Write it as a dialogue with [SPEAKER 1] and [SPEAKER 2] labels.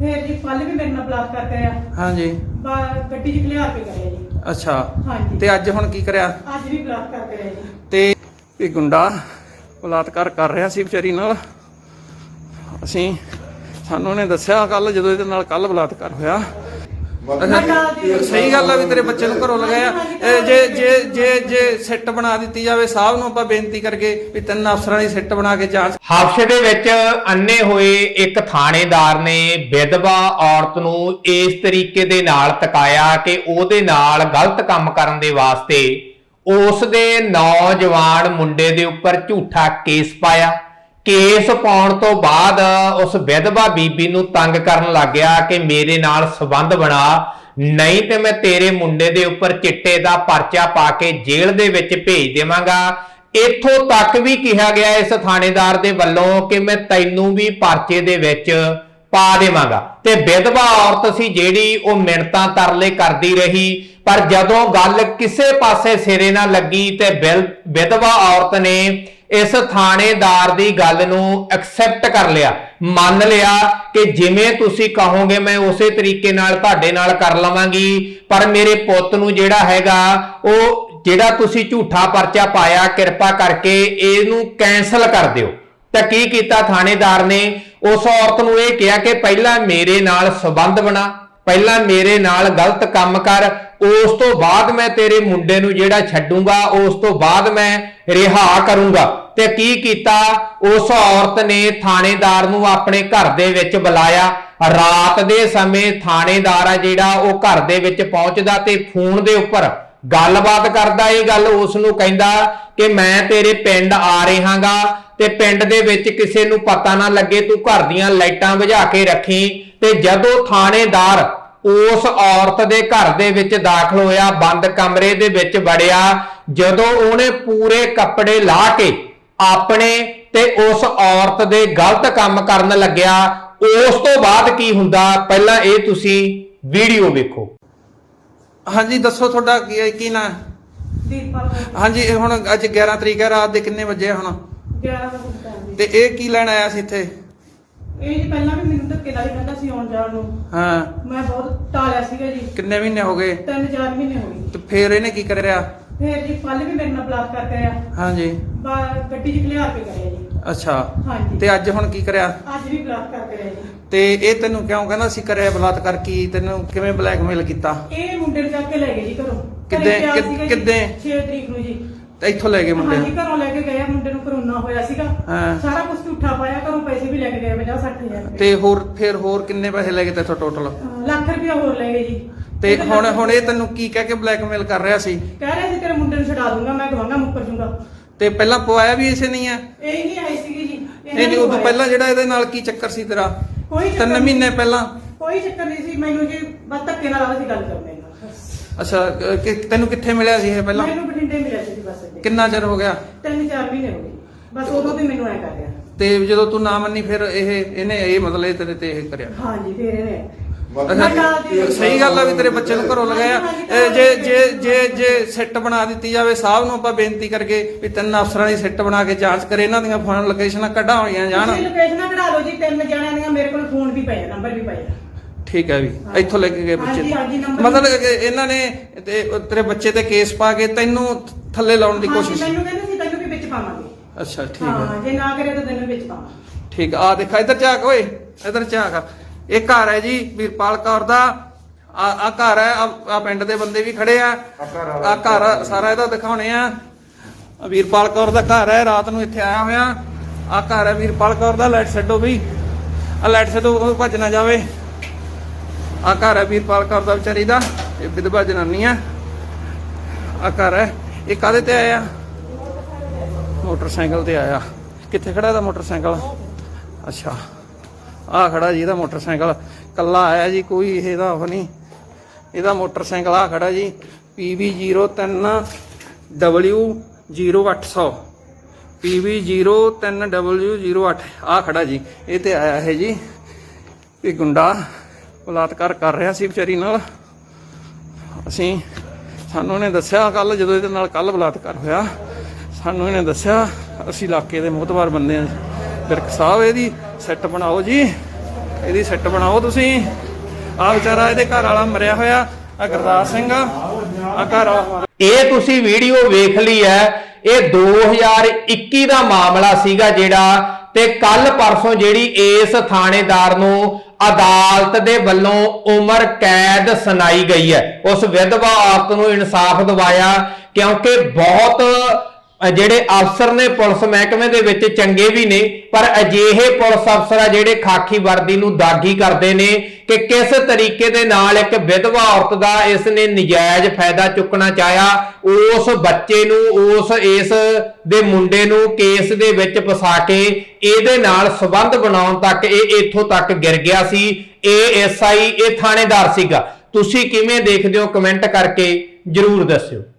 [SPEAKER 1] फिर जी कल भी मेरे नाल बलात्कार कराया।
[SPEAKER 2] हाँ जी।
[SPEAKER 1] गड्डी च खिलार के कराया जी।
[SPEAKER 2] अच्छा।
[SPEAKER 1] हाँ जी।
[SPEAKER 2] ते अज हुण की करिया?
[SPEAKER 1] अज भी बलात्कार कराया जी।
[SPEAKER 2] ते ये गुंडा बलात्कार कर रहा सी विचारी नाल। असीं सानू उहने दस्सिया कल जदों इहदे नाल कल बलात्कार होया। सही गल है भी तेरे बच्चे घरों लगाया। जे जे जे जे सिट बना दी जाए साहब नूं आपां बेनती करके भी 3 अफसरां दी सिट बना के जांच।
[SPEAKER 3] हादसे ਦੇ ਵਿੱਚ ਅੰਨੇ ਹੋਏ ਇੱਕ ਥਾਣੇਦਾਰ ਨੇ ਵਿਧਵਾ ਔਰਤ ਨੂੰ ਇਸ ਤਰੀਕੇ ਦੇ ਨਾਲ ਤਕਾਇਆ ਕਿ ਉਹਦੇ ਨਾਲ ਗਲਤ ਕੰਮ ਕਰਨ ਦੇ ਵਾਸਤੇ ਉਸ ਦੇ ਨੌਜਵਾਨ ਮੁੰਡੇ ਦੇ ਉੱਪਰ ਝੂਠਾ ਕੇਸ ਪਾਇਆ। ਕੇਸ ਪਾਉਣ ਤੋਂ ਬਾਅਦ ਉਸ ਵਿਧਵਾ ਬੀਬੀ ਨੂੰ ਤੰਗ ਕਰਨ ਲੱਗ ਗਿਆ ਕਿ ਮੇਰੇ ਨਾਲ ਸੰਬੰਧ ਬਣਾ, ਨਹੀਂ ਤੇ ਮੈਂ ਤੇਰੇ ਮੁੰਡੇ ਦੇ ਉੱਪਰ ਚਿੱਟੇ ਦਾ ਪਰਚਾ ਪਾ ਕੇ ਜੇਲ੍ਹ ਦੇ ਵਿੱਚ ਭੇਜ ਦੇਵਾਂਗਾ। ਇੱਥੋਂ ਤੱਕ ਵੀ ਕਿਹਾ ਗਿਆ ਇਸ ਥਾਣੇਦਾਰ ਦੇ ਵੱਲੋਂ ਕਿ ਮੈਂ ਤੈਨੂੰ ਵੀ ਪਰਚੇ ਦੇ ਵਿੱਚ ਪਾ ਦੇਵਾਂਗਾ। ਤੇ ਵਿਧਵਾ ਔਰਤ ਸੀ ਜਿਹੜੀ ਉਹ ਮਿੰਨਤਾਂ ਤਰਲੇ ਕਰਦੀ ਰਹੀ, ਪਰ ਜਦੋਂ ਗੱਲ ਕਿਸੇ ਪਾਸੇ ਸਿਰੇ ਨਾ ਲੱਗੀ ਤੇ ਵਿਧਵਾ ਔਰਤ ਨੇ ਇਸ ਥਾਣੇਦਾਰ ਦੀ ਗੱਲ ਨੂੰ ਐਕਸੈਪਟ ਕਰ ਲਿਆ, ਮੰਨ ਲਿਆ ਕਿ ਜਿਵੇਂ ਤੁਸੀਂ ਕਹੋਗੇ ਮੈਂ ਉਸੇ ਤਰੀਕੇ ਨਾਲ ਤੁਹਾਡੇ ਨਾਲ ਕਰ ਲਵਾਂਗੀ, ਪਰ ਮੇਰੇ ਪੁੱਤ ਨੂੰ ਜਿਹੜਾ ਹੈਗਾ ਉਹ ਜਿਹੜਾ ਤੁਸੀਂ ਝੂਠਾ ਪਰਚਾ ਪਾਇਆ ਕਿਰਪਾ ਕਰਕੇ ਇਹਨੂੰ ਕੈਂਸਲ ਕਰ ਦਿਓ। ਤਾਂ ਕੀ ਕੀਤਾ ਥਾਣੇਦਾਰ ਨੇ? ਉਸ ਔਰਤ ਨੂੰ ਇਹ ਕਿਹਾ ਕਿ ਪਹਿਲਾਂ ਮੇਰੇ ਨਾਲ ਸੰਬੰਧ ਬਣਾ, ਪਹਿਲਾਂ ਮੇਰੇ ਨਾਲ ਗਲਤ ਕੰਮ ਕਰ, ਉਸ ਤੋਂ ਬਾਅਦ ਮੈਂ ਤੇਰੇ ਮੁੰਡੇ ਨੂੰ ਜਿਹੜਾ ਛੱਡੂੰਗਾ, ਉਸ ਤੋਂ ਬਾਅਦ ਮੈਂ ਰਿਹਾ ਕਰੂੰਗਾ। ਤੇ ਕੀ ਕੀਤਾ? ਉਸ ਔਰਤ ਨੇ ਥਾਣੇਦਾਰ ਨੂੰ ਆਪਣੇ ਘਰ ਦੇ ਵਿੱਚ ਬੁਲਾਇਆ। ਰਾਤ ਦੇ ਸਮੇਂ ਥਾਣੇਦਾਰ ਆ ਜਿਹੜਾ ਉਹ ਘਰ ਦੇ ਵਿੱਚ ਪਹੁੰਚਦਾ ਤੇ ਫੋਨ ਦੇ ਉੱਪਰ ਗੱਲਬਾਤ ਕਰਦਾ। ਇਹ ਗੱਲ ਉਸ ਨੂੰ ਕਹਿੰਦਾ ਕਿ ਮੈਂ ਤੇਰੇ ਪਿੰਡ ਆ ਰਿਹਾਗਾ ਤੇ ਪਿੰਡ ਦੇ ਵਿੱਚ ਕਿਸੇ ਨੂੰ ਪਤਾ ਨਾ ਲੱਗੇ, ਤੂੰ ਘਰ ਦੀਆਂ ਲਾਈਟਾਂ ਬੁਝਾ ਕੇ ਰੱਖੀ। ਤੇ ਜਦੋਂ ਥਾਣੇਦਾਰ ਉਸ ਔਰਤ ਦੇ ਘਰ ਦੇ ਵਿੱਚ ਦਾਖਲ ਹੋਇਆ, ਬੰਦ ਕਮਰੇ ਦੇ ਵਿੱਚ ਵੜਿਆ, ਜਦੋਂ ਉਹਨੇ ਪੂਰੇ ਕੱਪੜੇ ਲਾ ਕੇ ਆਪਣੇ ਤੇ ਉਸ ਔਰਤ ਦੇ ਗਲਤ ਕੰਮ ਕਰਨ ਲੱਗਿਆ, ਉਸ ਤੋਂ ਬਾਅਦ ਕੀ ਹੁੰਦਾ ਪਹਿਲਾਂ ਇਹ ਤੁਸੀਂ ਵੀਡੀਓ ਵੇਖੋ।
[SPEAKER 2] हाँ जी दसो थोड़ा की ना? हाँ जी हुण अज 11 तरीक है, रात के किन्ने बजे हुण?
[SPEAKER 1] 11
[SPEAKER 2] ते ਇਹ ਕੀ ਲੈਣ ਆਇਆ ਸੀ ਇੱਥੇ?
[SPEAKER 1] ਇਹ ਜੀ ਪਹਿਲਾਂ ਵੀ ਮੈਨੂੰ ਧੱਕੇ ਨਾਲ ਹੀ ਕਹਿੰਦਾ ਸੀ ਆਉਣ ਜਾਣ ਨੂੰ।
[SPEAKER 2] ਹਾਂ
[SPEAKER 1] ਮੈਂ ਬਹੁਤ ਟਾਲਿਆ ਸੀਗਾ ਜੀ।
[SPEAKER 2] ਕਿੰਨੇ ਮਹੀਨੇ ਹੋ ਗਏ?
[SPEAKER 1] 3-4 ਮਹੀਨੇ ਹੋ ਗਏ।
[SPEAKER 2] ਤੇ ਫਿਰ ਇਹਨੇ ਕੀ ਕਰਿਆ?
[SPEAKER 1] ਫਿਰ ਜੀ ਕੱਲ ਵੀ ਮੇਰੇ ਨਾਲ ਬਲਾਤਕਾਰ ਕਰਿਆ।
[SPEAKER 2] ਹਾਂ ਜੀ।
[SPEAKER 1] ਗੱਡੀ 'ਚ ਖਿਲਾਰ ਕੇ ਕਰਿਆ ਜੀ।
[SPEAKER 2] ਅੱਛਾ।
[SPEAKER 1] ਹਾਂ ਜੀ।
[SPEAKER 2] ਤੇ ਅੱਜ ਹੁਣ ਕੀ ਕਰਿਆ?
[SPEAKER 1] ਅੱਜ ਵੀ ਬਲਾਤਕਾਰ ਕਰਿਆ ਜੀ।
[SPEAKER 2] ਤੇ ਇਹ ਤੈਨੂੰ ਕਿਉਂ ਕਹਿੰਦਾ ਸੀ ਕਰਿਆ ਬਲਾਤਕਾਰ? ਕੀ ਤੈਨੂੰ ਕਿਵੇਂ ਬਲੈਕਮੇਲ ਕੀਤਾ?
[SPEAKER 1] ਇਹ ਮੁੰਡੇ ਨੂੰ ਚੱਕ ਕੇ ਲੈ ਗਏ ਜੀ ਘਰੋਂ।
[SPEAKER 2] ਕਿੱਦਾਂ
[SPEAKER 1] 6 ਤਰੀਕ ਨੂੰ ਜੀ।
[SPEAKER 2] ਤੇ ਇੱਥੋਂ ਲੈ ਗਏ ਮੁੰਡੇ?
[SPEAKER 1] ਹਾਂ ਜੀ ਘਰੋਂ ਲੈ ਕੇ ਗਏ। ਮੁੰਡੇ ਨੂੰ ਕਰੋਨਾ ਹੋਇਆ ਸੀਗਾ।
[SPEAKER 2] ਹਾਂ।
[SPEAKER 1] ਸਾਰਾ ਕੁਝ ਝੂਠਾ ਪਾਇਆ, ਘਰੋਂ ਪੈਸੇ ਵੀ ਲੈ ਕੇ ਗਏ 50-60 ਹਜ਼ਾਰ।
[SPEAKER 2] ਤੇ ਹੋਰ ਕਿੰਨੇ ਪੈਸੇ ਲੈ ਗਏ ਤੇਥੋਂ ਟੋਟਲ?
[SPEAKER 1] ਲੱਖ ਰੁਪਇਆ ਹੋਰ ਲੈ ਗਏ ਜੀ।
[SPEAKER 2] ਤੇ ਹੁਣ ਇਹ ਤੈਨੂੰ ਕੀ ਕਹਿ ਕੇ ਬਲੈਕਮੇਲ ਕਰ ਰਿਹਾ ਸੀ?
[SPEAKER 1] ਕਹਿ ਰਿਹਾ ਸੀ ਤੇਰੇ ਮੁੰਡੇ ਨੂੰ ਛਡਾ ਦੂੰਗਾ, ਮੈਂ ਗਵਾਂਗਾ ਮੁੱਕਰ ਜੂੰਗਾ।
[SPEAKER 2] ਤੇ ਪਹਿਲਾਂ ਪਵਾਇਆ ਵੀ ਇਸੇ ਨਹੀਂ ਆ?
[SPEAKER 1] ਇਹ ਨਹੀਂ ਆਈ ਸੀਗੀ ਜੀ।
[SPEAKER 2] ਨਹੀਂ ਉਦੋਂ ਪਹਿਲਾਂ ਜਿਹੜਾ ਇਹਦੇ ਨਾਲ ਕੀ ਚੱਕਰ ਸੀ ਤੇਰਾ?
[SPEAKER 1] ਕੋਈ
[SPEAKER 2] 3 ਮਹੀਨੇ ਪਹਿਲਾਂ?
[SPEAKER 1] ਕੋਈ ਚੱਕਰ ਨਹੀਂ ਸੀ ਮੈਨੂੰ ਜੀ, ਬਸ ਧੱਕੇ ਨਾਲ ਅਸੀਂ ਗੱਲ ਕਰਦੇ ਹਾਂ।
[SPEAKER 2] ਅੱਛਾ ਤੈਨੂੰ ਕਿੱਥੇ ਮਿਲਿਆ ਸੀ ਇਹ ਪਹਿਲਾਂ?
[SPEAKER 1] ਮੈਨੂੰ ਬਠਿੰਡੇ ਮਿਲਿਆ ਸੀ ਬਸ।
[SPEAKER 2] ਕਿੰਨਾ ਚਿਰ ਹੋ ਗਿਆ?
[SPEAKER 1] 3-4 ਮਹੀਨੇ ਹੋ ਗਏ ਬਸ। ਉਦੋਂ ਵੀ ਮੈਨੂੰ ਐ ਕਰ ਰਿਹਾ।
[SPEAKER 2] ਤੇ ਜਦੋਂ ਤੂੰ ਨਾ ਮੰਨੀ ਫਿਰ ਇਹਨੇ ਇਹ ਮਤਲਬ ਇਹ ਤੇਰੇ ਤੇ ਇਹ ਕਰਿਆ?
[SPEAKER 1] ਹਾਂਜੀ ਫਿਰ ਇਹਨੇ।
[SPEAKER 2] ਸਹੀ ਗੱਲ ਆ ਵੀ ਤੇਰੇ ਬੱਚੇ ਨੂੰ ਘਰੋਂ ਲਗਾਇਆ। ਜੇ ਜੇ ਜੇ ਜੇ ਸਿੱਟ ਬਣਾ ਦਿੱਤੀ ਜਾਵੇ ਸਾਹਬ ਨੂੰ ਆਪਾਂ ਬੇਨਤੀ ਕਰਕੇ ਵੀ 3 ਅਫਸਰਾਂ ਦੀ ਸਿੱਟ ਬਣਾ ਕੇ ਜਾਂਚ ਕਰੇ, ਇਹਨਾਂ ਦੀਆਂ ਫੋਨ ਲੋਕੇਸ਼ਨਾਂ ਕੱਢਾ ਹੋਈਆਂ ਜਾਣ।
[SPEAKER 1] ਲੋਕੇਸ਼ਨਾਂ ਕਢਾ ਲਓ ਜੀ। 3 ਜਣਿਆਂ ਦੀਆਂ ਮੇਰੇ ਕੋਲ ਫੋਨ ਵੀ ਪਏ, ਨੰਬਰ ਵੀ ਪਏ।
[SPEAKER 2] ਠੀਕ ਹੈ ਵੀ ਇੱਥੋਂ ਲੈ ਕੇ ਗਏ ਬੱਚੇ ਮਤਲਬ ਕਿ ਇਹਨਾਂ ਨੇ ਤੇਰੇ ਬੱਚੇ ਤੇ ਕੇਸ ਪਾ ਕੇ ਤੈਨੂੰ ਥੱਲੇ ਲਾਉਣ ਦੀ ਕੋਸ਼ਿਸ਼?
[SPEAKER 1] ਮੈਨੂੰ ਕਹਿੰਦੇ ਸੀ ਤੈਨੂੰ ਵੀ ਵਿੱਚ ਪਾਵਾਂਗੇ।
[SPEAKER 2] ਅੱਛਾ ਠੀਕ
[SPEAKER 1] ਹਾਂ,
[SPEAKER 2] ਹੈ।
[SPEAKER 1] ਜੇ ਨਾ ਕਰੇ ਤਾਂ ਤੈਨੂੰ ਵਿੱਚ ਪਾਵਾਂ।
[SPEAKER 2] ਠੀਕ ਆ ਦੇਖਾ ਇੱਧਰ ਝਾਕ ਓਏ, ਇੱਧਰ ਝਾਕ। ਇਹ ਘਰ ਹੈ ਜੀ ਵੀਰਪਾਲ ਕੌਰ ਦਾ। ਆ ਘਰ ਹੈ। ਆ ਪਿੰਡ ਦੇ ਬੰਦੇ ਵੀ ਖੜੇ ਆ। ਆ ਘਰ ਸਾਰਾ ਇਹਦਾ ਦਿਖਾਉਣੇ ਆ। ਵੀਰਪਾਲ ਕੌਰ ਦਾ ਘਰ ਹੈ। ਰਾਤ ਨੂੰ ਇੱਥੇ ਆਇਆ ਹੋਇਆ। ਆ ਘਰ ਹੈ ਵੀਰਪਾਲ ਕੌਰ ਦਾ। ਲਾਈਟ ਛੱਡੋ ਵੀ, ਆ ਲਾਈਟ ਛੱਡੋ, ਭੱਜ ਨਾ ਜਾਵੇ। ਆ ਘਰ ਹੈ ਵੀਰਪਾਲ ਕੌਰ ਦਾ ਵਿਚਾਰੀ ਦਾ। ਇਹ ਵਿਧਵਾ ਜਨਾਨੀ ਆ। ਆ ਘਰ ਹੈ। ਇਹ ਕਾਹਦੇ ਤੇ ਆਇਆ? ਮੋਟਰਸਾਈਕਲ ਤੇ ਆਇਆ। ਕਿੱਥੇ ਖੜਾ ਇਹਦਾ ਮੋਟਰਸਾਈਕਲ? ਅੱਛਾ ਆ ਖੜਾ ਜੀ ਇਹਦਾ ਮੋਟਰਸਾਈਕਲ। ਕੱਲਾ ਆਇਆ ਜੀ, ਕੋਈ ਇਹਦਾ ਉਹ ਨਹੀਂ। ਇਹਦਾ ਮੋਟਰਸਾਈਕਲ ਆ ਖੜਾ ਜੀ PB03W0800 PB03W08 ਆ ਖੜਾ ਜੀ। ਇਹ ਤੇ ਆਇਆ ਹੈ ਜੀ। ਇਹ ਗੁੰਡਾ ਬਲਾਤਕਾਰ ਕਰ ਰਿਹਾ ਸੀ ਵਿਚਾਰੀ ਨਾਲ। ਸਾਨੂੰ ਇਹਨੇ ਦੱਸਿਆ ਕੱਲ ਜਦੋਂ ਇਹਦੇ ਨਾਲ ਕੱਲ ਬਲਾਤਕਾਰ ਹੋਇਆ, ਸਾਨੂੰ ਇਹਨੇ ਦੱਸਿਆ। ਅਸੀਂ ਇਲਾਕੇ ਦੇ ਮੋਹਤਬਾਰ ਬੰਦੇ ਆ। ਵਿਰਕ ਸਾਹਿਬ ਇਹਦੀ ਸੈੱਟ ਬਣਾਓ ਜੀ। ਇਹਦੀ ਸਿੱਟ ਬਣਾਓ ਤੁਸੀਂ। ਆ ਵਿਚਾਰਾ ਇਹਦੇ ਘਰ ਵਾਲਾ ਮਰਿਆ ਹੋਇਆ, ਆ ਗੁਰਦਾਸ ਸਿੰਘ ਆ ਘਰ ਵਾਲਾ।
[SPEAKER 3] ਇਹ ਤੁਸੀਂ ਵੀਡੀਓ ਵੇਖ ਲਈ ਹੈ, ਇਹ 2021 ਦਾ ਮਾਮਲਾ ਸੀਗਾ ਜਿਹੜਾ, ਤੇ ਕੱਲ ਪਰਸੋਂ ਜਿਹੜੀ ਇਸ ਥਾਣੇਦਾਰ ਨੂੰ ਅਦਾਲਤ ਦੇ ਵੱਲੋਂ ਉਮਰ ਕੈਦ ਸੁਣਾਈ ਗਈ ਹੈ। ਉਸ ਵਿਧਵਾ ਔਰਤ ਨੂੰ ਇਨਸਾਫ ਦਿਵਾਇਆ, ਕਿਉਂਕਿ ਬਹੁਤ ਜਿਹੜੇ ਅਫਸਰ ਨੇ ਪੁਲਿਸ ਮਹਿਕਮੇ ਦੇ ਵਿੱਚ ਚੰਗੇ ਵੀ ਨੇ, ਪਰ ਅਜਿਹੇ ਪੁਲਿਸ ਅਫਸਰ ਆ ਜਿਹੜੇ ਖਾਕੀ ਵਰਦੀ ਨੂੰ ਦਾਗੀ ਕਰਦੇ ਨੇ ਕਿ ਕਿਸ ਤਰੀਕੇ ਦੇ ਨਾਲ ਇੱਕ ਵਿਧਵਾ ਔਰਤ ਦਾ ਇਸ ਨੇ ਨਜਾਇਜ਼ ਫਾਇਦਾ ਚੁੱਕਣਾ ਚਾਹਿਆ। ਉਸ ਬੱਚੇ ਨੂੰ, ਇਸ ਦੇ ਮੁੰਡੇ ਨੂੰ ਕੇਸ ਦੇ ਵਿੱਚ ਫਸਾ ਕੇ ਇਹਦੇ ਨਾਲ ਸੰਬੰਧ ਬਣਾਉਣ ਤੱਕ ਇਹ ਇੱਥੋਂ ਤੱਕ ਗਿਰ ਗਿਆ ਸੀ। ਇਹ ਐਸਆਈ, ਇਹ ਥਾਣੇਦਾਰ ਸੀਗਾ। ਤੁਸੀਂ ਕਿਵੇਂ ਦੇਖਦੇ ਹੋ, ਕਮੈਂਟ ਕਰਕੇ ਜਰੂਰ ਦੱਸਿਓ।